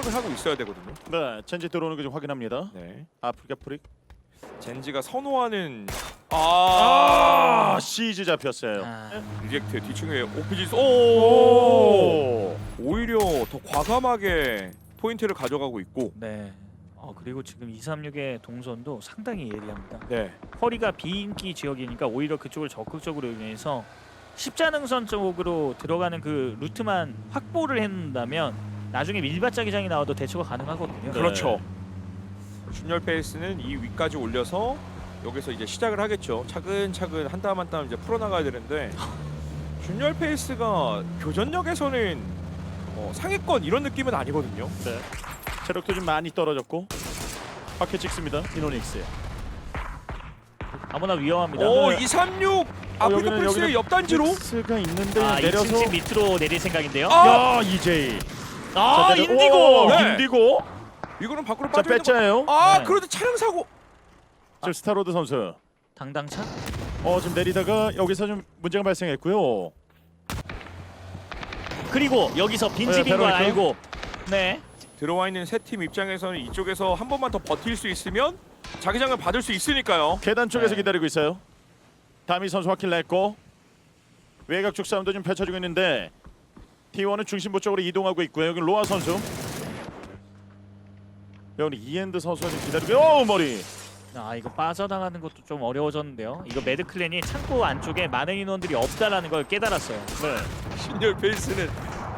생각을 하고 있어야 되거든요. 네, 젠지 들어오는 거 좀 확인합니다. 네. 아프리카 프릭. 젠지가 선호하는 시즈 잡혔어요. 리젝트 뒤층에 오피지 오! 오히려 더 과감하게 포인트를 가져가고 있고. 네. 그리고 지금 236의 동선도 상당히 예리합니다. 네. 허리가 비인기 지역이니까 오히려 그쪽을 적극적으로 이용해서 십자능선 쪽으로 들어가는 그 루트만 확보를 해놓는다면 나중에 밀밭자기장이 나와도 대처가 가능하거든요. 그렇죠. 준열 페이스는 이 위까지 올려서 여기서 이제 시작을 하겠죠. 차근차근 한 땀 한 땀 이제 풀어나가야 되는데 준열 페이스가 교전력에서는 상위권 이런 느낌은 아니거든요. 네. 체력도 좀 많이 떨어졌고 바퀴 찍습니다. 이노닉스. 아무나 위험합니다. 오, 네. 236 아프리카 여기는- 프리스의 옆단지로. 스가 있는데 아, 내려서 2층 밑으로 내릴 생각인데요. 야, 이제이. 자, 내려- 인디고. 오, 네. 인디고. 이거는 밖으로 자, 빠져 있는 거. 배짜예요. 아, 네. 그런데 차량 사고. 지금 스타로드 선수. 당당차? 지금 내리다가 여기서 좀 문제가 발생했고요. 그리고 여기서 빈집인 걸 베로니카? 알고 네. 들어와 있는 세 팀 입장에서는 이쪽에서 한 번만 더 버틸 수 있으면 자기장을 받을 수 있으니까요. 계단 쪽에서 네. 기다리고 있어요. 다미 선수 확킬 냈고 외곽 쪽 싸움도 좀 펼쳐지고 있는데 T1은 중심부 쪽으로 이동하고 있고요. 여기 로아 선수. 여기 이엔드 선수가 좀 기다리고 머리. 이거 빠져나가는 것도 좀 어려워졌는데요. 이거 매드클랜이 창고 안쪽에 많은 인원들이 없다라는 걸 깨달았어요. 네. 신열 페이스는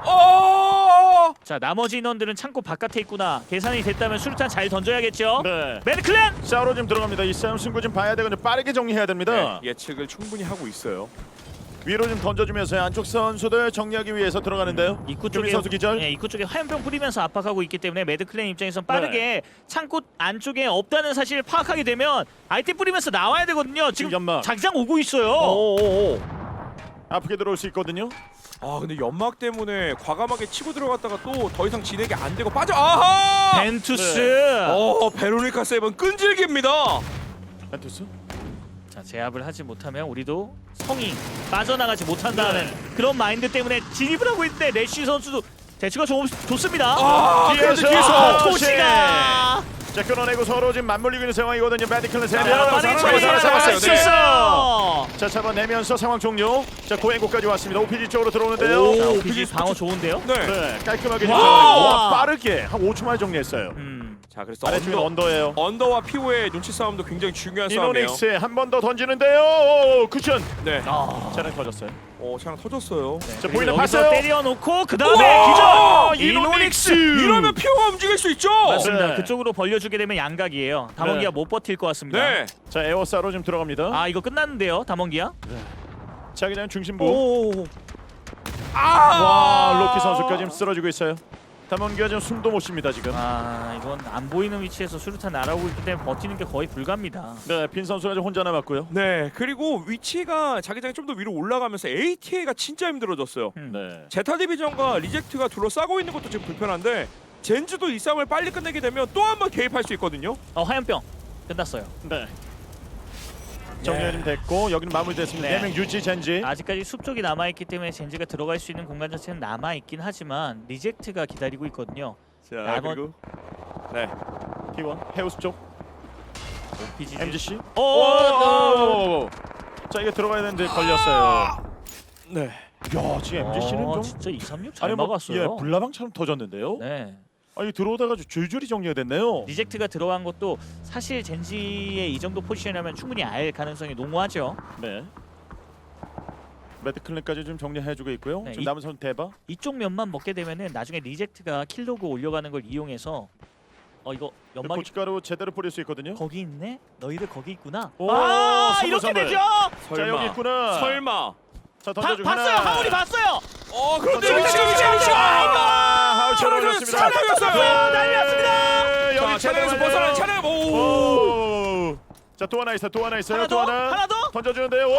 자, 나머지 인원들은 창고 바깥에 있구나. 계산이 됐다면 수류탄 잘 던져야겠죠. 네. 매드클랜! 싸우러 좀 들어갑니다. 이 싸움 승부 좀 봐야 되거든요. 빠르게 정리해야 됩니다. 네, 예측을 충분히 하고 있어요. 위로 좀 던져주면서 안쪽 선수들 정리하기 위해서 들어가는데요. 입구 주민 쪽에 선수 기절. 네, 입구 쪽에 화염병 뿌리면서 압박하고 있기 때문에 매드클랜 입장에선 빠르게 창고 안쪽에 없다는 사실을 파악하게 되면 아이템 뿌리면서 나와야 되거든요. 지금 연막. 자기장 오고 있어요. 오오오. 아프게 들어올 수 있거든요. 근데 연막 때문에 과감하게 치고 들어갔다가 또 더 이상 진행이 안 되고 빠져. 아하! 벤투스. 베로니카 세븐 끈질깁니다. 벤투스. 자, 제압을 하지 못하면 우리도 성이 빠져나가지 못한다는 그런 마인드 때문에 진입을 하고 있는데 래쉬 선수도 대처가 좋습니다. 뒤에서 토시가 자, 끊어내고 서로 지금 맞물리고 있는 상황이거든요. 메디클은 세 명. 빠르게 잡았어요. 네. 있어. 자, 잡아내면서 상황 종료. 자, 고행고까지 왔습니다. OPG 쪽으로 들어오는데요. 오. 자, 오, 오피지 방어 좋은데요? 네. 네, 깔끔하게 와. 와, 빠르게 한 5초 만에 정리했어요. 자, 그래서 아래쪽에 언더예요. 언더와 피오의 눈치 싸움도 굉장히 중요한 싸움이에요. 이노닉스 한 번 더 던지는데요. 쿠션. 네. 차량 터졌어요. 차량 터졌어요. 자, 그리고 보이나 여기서 봤어요? 때려놓고 그 다음에 우와! 기절. 이노닉스. 이러면 피오가 움직일 수 있죠. 맞습니다. 네. 그쪽으로 벌려주게 되면 양각이에요. 담원기가 네. 못 버틸 것 같습니다. 네. 자, 에어사로 지금 들어갑니다. 이거 끝났는데요, 담원기야? 자, 그냥 중심부. 오. 와, 로키 선수까지 지금 쓰러지고 있어요. 담원기가 지금 숨도 못 쉽니다 지금. 이건 안 보이는 위치에서 수류탄 날아오고 있기 때문에 버티는 게 거의 불가입니다. 네, 빈 선수가 지금 혼자 남았고요. 네. 그리고 위치가 자기장이 좀 더 위로 올라가면서 ATA가 진짜 힘들어졌어요. 네. 제타 디비전과 리젝트가 둘러싸고 있는 것도 지금 불편한데 젠지도 이 싸움을 빨리 끝내게 되면 또 한 번 개입할 수 있거든요. 화염병 끝났어요. 네. 정리가 좀 됐고 여기는 마무리됐습니다. 네. 4명 유지 젠지. 아직까지 숲 쪽이 남아있기 때문에 젠지가 들어갈 수 있는 공간 자체는 남아있긴 하지만 리젝트가 기다리고 있거든요. 자, 그리고 네. T1 해우스 쪽. OPG MGC. 오! 자, 이게 들어가야 되는데 걸렸어요. 네. 야, 지금 MGC는 좀 진짜 236 잘 아니 뭐 막았어요. 예, 불나방처럼 터졌는데요. 네. 아니 들어오다가 줄줄이 정리가 됐네요. 리젝트가 들어간 것도 사실 젠지의 이 정도 포지션이라면 충분히 알 가능성이 농후하죠. 네. 매드클랜까지 좀 정리해주고 있고요. 네, 지금 이- 남은 선 대박. 이쪽 면만 먹게 되면은 나중에 리젝트가 킬로그 올려가는 걸 이용해서 이거 연막이 고춧가루 제대로 뿌릴 수 있거든요. 거기 있네? 너희들 거기 있구나. 오, 선물, 이렇게 선물. 되죠. 자, 여기 있구나. 설마. 자, 던져주고 봤어요. 하나. 하울이 봤어요. 그런데 하울 쳐내렸습니다. 차량이었어요. 난리났습니다. 여기 차량에서 벗어난 차량. 오. 오. 자, 또 하나 있어. 또 하나 있어요. 하나 또 더? 하나. 하나 더? 던져주는데요.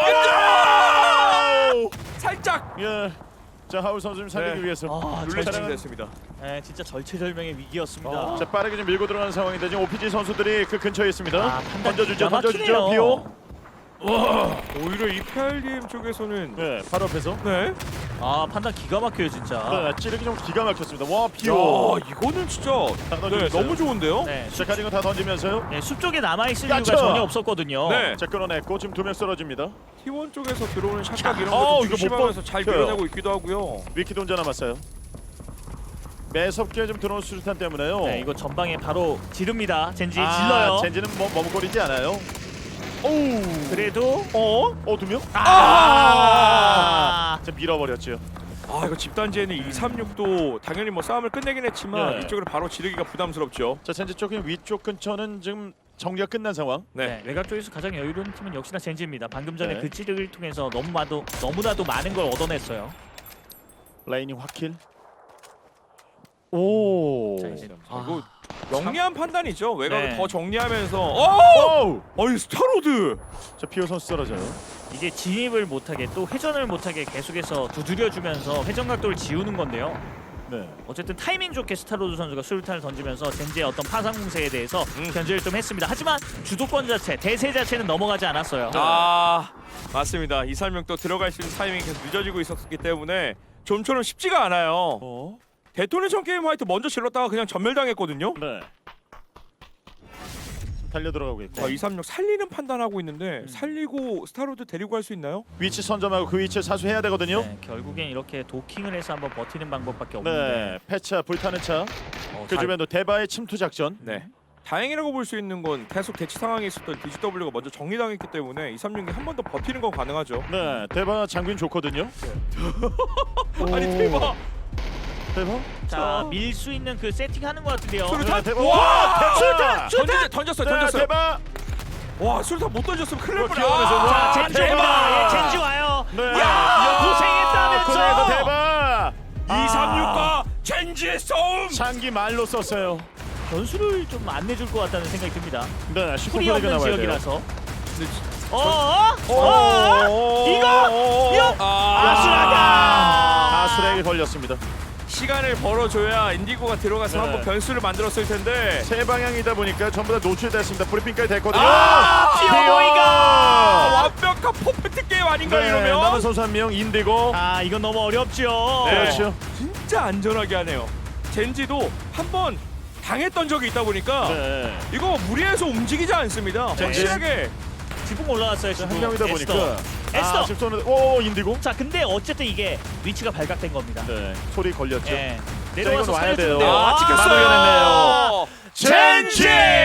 살짝. 예. 자, 하울 선수 좀 살리기 네. 위해서. 룰렛이 됐습니다. 네, 진짜 절체절명의 위기였습니다. 자, 빠르게 좀 밀고 들어가는 상황인데 지금 OPG 선수들이 그 근처에 있습니다. 판단 던져주죠. 기가 던져주죠. 막히네요. 비오. 오히려 이 PRDM 쪽에서는 네, 바로 앞에서. 네. 아 판단 기가 막혀요 진짜. 네, 찌르기 좀 기가 막혔습니다. 와 피오. 야, 이거는 진짜 던지고 네, 있어요. 너무 좋은데요? 네, 자 가진 거 다 던지면서요. 네, 숲 쪽에 남아있을 야채! 이유가 전혀 없었거든요. 네. 자 끌어냈고 지금 2명 쓰러집니다. T1 쪽에서 들어오는 샷각 이런 어, 거좀 이거 못 조심하면서 잘 버텨요. 밀어내고 있기도 하고요. 위키도 혼자 남았어요. 매섭게 좀 들어오는 수류탄 때문에요. 네, 이거 전방에 바로 지릅니다. 젠지 아, 질러요. 젠지는 뭐 머뭇거리지 않아요. 오우. 그래도 두 명? 아, 자 밀어버렸죠. 아 이거 집단지에는 236도 당연히 뭐 싸움을 끝내긴 했지만 네. 이쪽으로 바로 지르기가 부담스럽죠. 자 젠지 쪽의 위쪽 근처는 지금 정리가 끝난 상황. 네, 외곽 쪽에서 가장 여유로운 팀은 역시나 젠지입니다. 방금 전에 네. 그 찌르기를 통해서 너무나도 많은 걸 얻어냈어요. 라인이 확킬. 오. 자, 이제 이거 영리한 판단이죠. 외곽을 네. 더 정리하면서 오우. 어이 스타로드. 자 피오 선수 쓰러져요. 이게 진입을 못하게 또 회전을 못하게 계속해서 두드려주면서 회전 각도를 지우는 건데요. 네. 어쨌든 타이밍 좋게 스타로드 선수가 수류탄을 던지면서 젠지의 어떤 파상 공세에 대해서 견제를 좀 했습니다. 하지만 주도권 자체, 대세 자체는 넘어가지 않았어요. 아 맞습니다. 이설명 또 들어갈 수 있는 타이밍이 계속 늦어지고 있었기 때문에 좀처럼 쉽지가 않아요. 데토네이션 게임 화이트 먼저 질렀다가 그냥 전멸당했거든요. 네. 달려 들어가고 있고. 236 살리는 판단하고 있는데 살리고 스타로드 데리고 갈 수 있나요? 위치 선점하고 그 위치에 사수해야 되거든요. 네, 결국엔 이렇게 도킹을 해서 한번 버티는 방법밖에 없는데 네. 폐차 불타는 차. 그 주변도 대바의 침투 작전. 네. 다행이라고 볼 수 있는 건 계속 대치 상황에 있었던 DGW가 먼저 정리당했기 때문에 236이 한 번 더 버티는 건 가능하죠. 네. 대바 장군 좋거든요. 아니 대박. 대바. 자, 밀 수 있는 그 세팅하는 것 같은데요. 수류탄? 대바. 와! 수류탄. 던졌어요. 네, 대바. 와 수류탄 못 던졌으면 큰일 날 기어가면서 뻔했어. 와, 젠지 대박! 옵니다. 예, 젠지 와요. 네. 야, 고생했다면서. 코너에서 대바. 236과 젠지의 싸움. 장기 말로 썼어요. 변수를 좀 안 내줄 것 같다는 생각이 듭니다. 네. 풀이 슈퍼플레이가 없는 나와야 돼요. 지역이라서. 이거 아수라가. 아수라에게 걸렸습니다. 시간을 벌어줘야 인디고가 들어가서 네. 한번 변수를 만들었을 텐데. 세 방향이다 보니까 전부 다 노출됐습니다. 브리핑까지 됐거든요. 피오보이가. 완벽한 퍼펙트 게임 아닌가 네, 이러면. 남은 선수 한 명 인디고. 아, 이건 너무 어렵죠. 네. 그렇죠. 진짜 안전하게 하네요. 젠지도 한번 당했던 적이 있다 보니까 네. 이거 무리해서 움직이지 않습니다. 확실하게. 지붕 올라왔어요. 지붕. 한 명이다 보니까. 에스더. 지금 쏘는. 오 인디고. 자, 근데 어쨌든 이게 위치가 발각된 겁니다. 네. 소리 걸렸죠. 예. 자, 내려와서 이건 와야 돼요. 살려주는데요. 아, 찍혔어요. 젠지!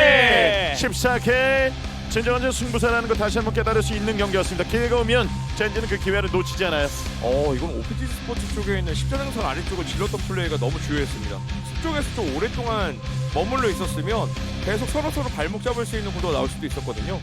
14K 진정한 승부사라는 걸 다시 한번 깨달을 수 있는 경기였습니다. 기회가 오면 젠지는 그 기회를 놓치지 않아요. 이건 오피지 스포츠 쪽에 있는 십자능선 아래쪽을 질렀던 플레이가 너무 주요했습니다. 수쪽에서 좀 오랫동안 머물러 있었으면 계속 서로 발목 잡을 수 있는 구도가 나올 수도 있었거든요.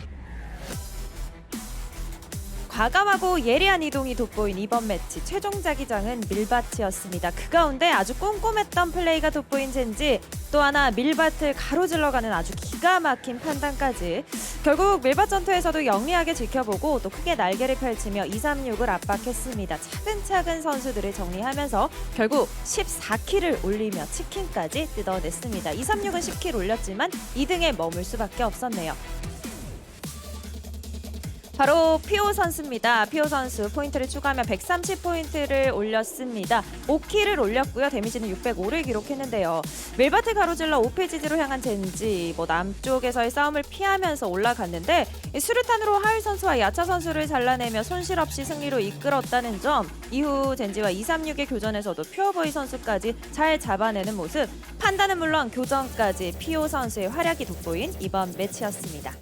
과감하고 예리한 이동이 돋보인 이번 매치 최종 자기장은 밀밭이었습니다. 그 가운데 아주 꼼꼼했던 플레이가 돋보인 젠지, 또 하나 밀밭을 가로질러가는 아주 기가 막힌 판단까지. 결국 밀밭 전투에서도 영리하게 지켜보고 또 크게 날개를 펼치며 236을 압박했습니다. 차근차근 선수들을 정리하면서 결국 14킬을 올리며 치킨까지 뜯어냈습니다. 236은 10킬 올렸지만 2등에 머물 수밖에 없었네요. 바로 피오 선수입니다. 피오 선수 포인트를 추가하면 130포인트를 올렸습니다. 5킬을 올렸고요. 데미지는 605를 기록했는데요. 밀밭을 가로질러 오페지지로 향한 젠지, 남쪽에서의 싸움을 피하면서 올라갔는데 수류탄으로 하울 선수와 야차 선수를 잘라내며 손실 없이 승리로 이끌었다는 점, 이후 젠지와 236의 교전에서도 퓨어보이 선수까지 잘 잡아내는 모습, 판단은 물론 교전까지 피오 선수의 활약이 돋보인 이번 매치였습니다.